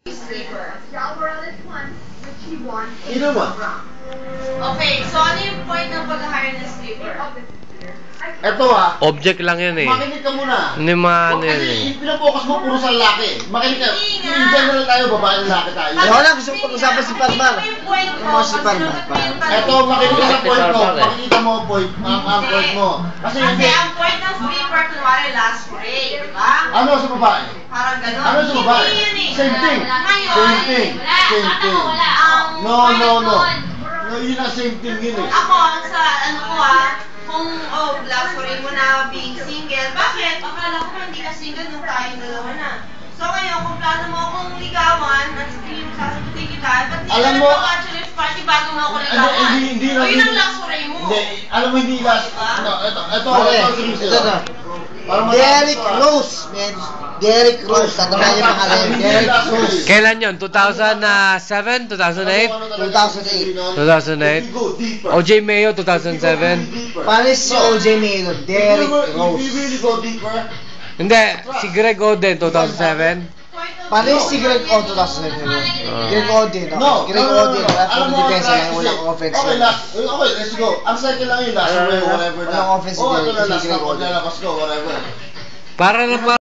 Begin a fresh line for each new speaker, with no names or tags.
Sino mo?
Okay, so ano yung point ng pag-hire ng sleeper?
Eto
Object lang yan eh.
makinig ka muna.
Hindi ano yan eh.
Kasi pinapokus mo puro sa lalaki. Makinig ka. In general tayo, babae lalaki tayo.
Wala, gusto ko pag-usapan si Parmar.
Ano
si Parmar?
Eto, makinig ka sa point mo. Makikita mo ang point, ang point mo. Kasi
Kasi ang point ng sleeper, kunwari last break, di ba?
ano sa babae?
Parang gano'n.
Ano sa babae?
Hindi yun eh.
Same thing. Same thing. Same thing. No. No, yun ang same thing yun eh.
Ako, sa ano ko kung last break mo na being single, bakit? Akala ko hindi ka single nung tayong dalawa na. So ngayon, kung plano mo akong ligawan, at sasagutin kita, ba't di
Alam
ka
mo-
nagpa-bachelor's party bago mo ako ligawan?
Hindi
O yun ang last break mo.
Hindi, alam mo hindi last. No, ito.
Ito na. Derrick Rose, man. Derrick Rose. Tatandaan yung pangalan. Derrick Rose.
Kailan yun? 2007? 2008?
2008.
2008? OJ Mayo, 2007?
Paris si OJ Mayo. Derrick
If you
Rose.
really go deeper,
Hindi, si Greg Oden, 2007?
Paris si Greg O. 2007. Greg Oden.
no.
Greg Oden. Wala pong depensa lang. Walang offense.
Okay, okay, let's go. Ang second lang yun, last way, whatever na.
Walang offense
Oh, ito
si
na, last
Greg
na,
Oden.
paglalabas ko, whatever.
Para na